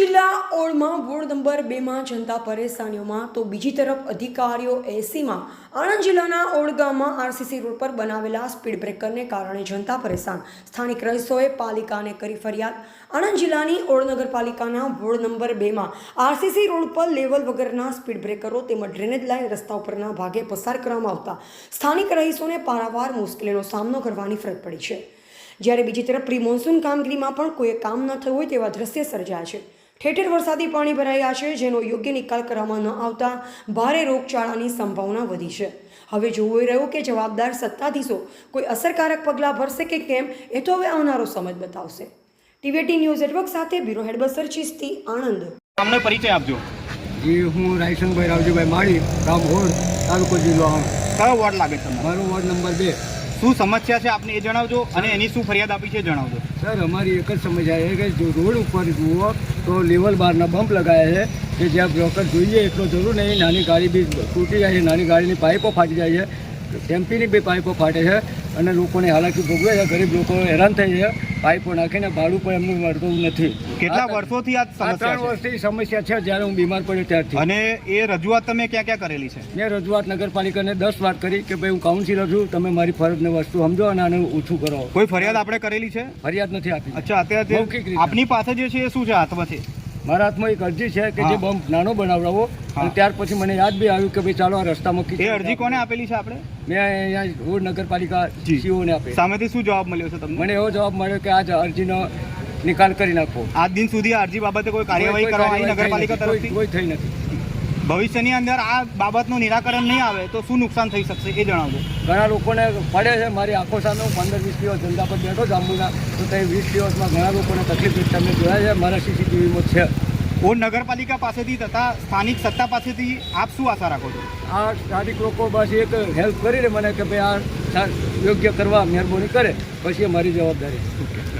જિલ્લા ઓળમાં ward number 2 માં જનતા પરેશાનીઓમાં તો બીજી તરફ અધિકારીઓ 80માં આણંદ જિલ્લાના ઓળ ગામમાં આરસીસી રોડ પર બનાવેલા સ્પીડ બ્રેકરને કારણે જનતા પરેશાન। સ્થાનિક રહીશોએ પાલિકાને કરી ફરિયાદ। આણંદ જિલ્લાની ઓળ નગરપાલિકાના વોર્ડ નંબર 2 માં આરસીસી રોડ પર લેવલ વગરના સ્પીડ બ્રેકરો તેમજ ડ્રેનેજ લાઇન રસ્તા ઉપરના ભાગે પસાર કરવામાં આવતા સ્થાનિક રહીશોને પારાવાર મુશ્કેલીનો સામનો કરવાની ફરજ પડી છે। જ્યારે બીજી તરફ પ્રી મોન્સૂન કામગીરીમાં પણ કોઈ કામ ન થયું હોય તેવા દ્રશ્ય સર્જાયા છે। ઠેર ઠેર વરસાદી પાણી ભરાઈ ગયા છે, જેનો યોગ્ય નિકાલ કરવામાં ન આવતા ભારે રોગચાળાની સંભાવના વધી છે। હવે જોવું રહ્યું કે જવાબદાર સત્તાધીશો કોઈ અસરકારક પગલાં ભરશે કે કેમ, એ તો હવે આવનારો સમય બતાવશે। ટીવીટી ન્યૂઝ નેટવર્ક સાથે બ્યુરો હેડ બસર ચિસ્તી, આણંદ। તમને પરિચય આપજો। जी हूँ रायसंगभाई रावजीभाई माड़ी, गाम होड़, तालुको जिल्लो आણંદ। કયો વોર્ડ લાગે છે તમારો? मारो वॉर्ड नंबर 2। શું સમસ્યા છે આપને એ જણાવજો અને એની શું ફરિયાદ આપી છે જણાવજો। सर हमारी एक समस्या है कि जो रोड पर जुओ तो लेवल बारना बम्प लगाया है कि ज्यादा ब्रोकर જોઈએ એટલો જરૂર નહીં। નાની ગાડી બી તૂટી જાય છે, નાની ગાડીની પાઇપો ફાટી જાય છે, ટેમ્પીની બી પાઇપો ફાટે છે અને લોકોને હાલાકી ભોગવે છે। ગરીબ લોકો હેરાન થઈ છે, પાઇપો નાખીને ભાડું પણ એમનું મળતું નથી। કેટલા વર્ષોથી આ આ 3 સમસ્યા છે વર્ષથી સમસ્યા છે, જ્યારે હું બીમાર પડ્યો ત્યારથી। અને એ રજૂઆત તમે ક્યાં ક્યાં કરેલી છે? મેં રજૂઆત નગરપાલિકાને 10 વાર કરી કે ભાઈ હું કાઉન્સિલર છું, તમે મારી ફરજને વસ્તુ સમજો અને આને ઓછું કરો। કોઈ ફરિયાદ આપણે કરેલી છે? ફરિયાદ નથી આપી। અચ્છા, અત્યારે મૌખિક રીતે। આપની પાસે જે છે એ શું છે હાથમાં છે? મારા હાથમાં એક અરજી છે કે જે બમ્પ નાનો બનાવડાવો। અને ત્યાર પછી મને યાદ બી આવ્યું કે ભાઈ ચાલો આ રસ્તામાં એ અરજી કોને આપેલી છે આપણે? મેં અહીંયા રોડ નગરપાલિકા સીઓને આપી। સામેથી શું જવાબ મળ્યો છે તમને? મને એવો જવાબ મળ્યો કે આ અરજીનો નિકાલ કરી નાખો। આજ દિન સુધી આ અરજી બાબતે કોઈ કાર્યવાહી કરવામાં આવી નગરપાલિકા તરફથી? કોઈ થઈ નથી। ભવિષ્યની અંદર આ બાબતનું નિરાકરણ નહીં આવે તો શું નુકસાન થઈ શકશે એ જણાવજો। ઘણા લોકોને પડે છે, મારી આંખો સામે 15-20 દિવસ ધંધા પર બેઠો જાંબુના, તો તે 20 દિવસમાં ઘણા લોકોને તકલીફ તમે જોયા છે, મારા સીસીટીવીમાં છે। ઓળ નગરપાલિકા પાસેથી તથા સ્થાનિક સત્તા પાસેથી આપ શું આશા રાખો છો? આ સ્થાનિક લોકો બસ એક હેલ્પ કરીને મને કે ભાઈ આ યોગ્ય કરવા મહેરબાની કરે, પછી મારી જવાબદારી।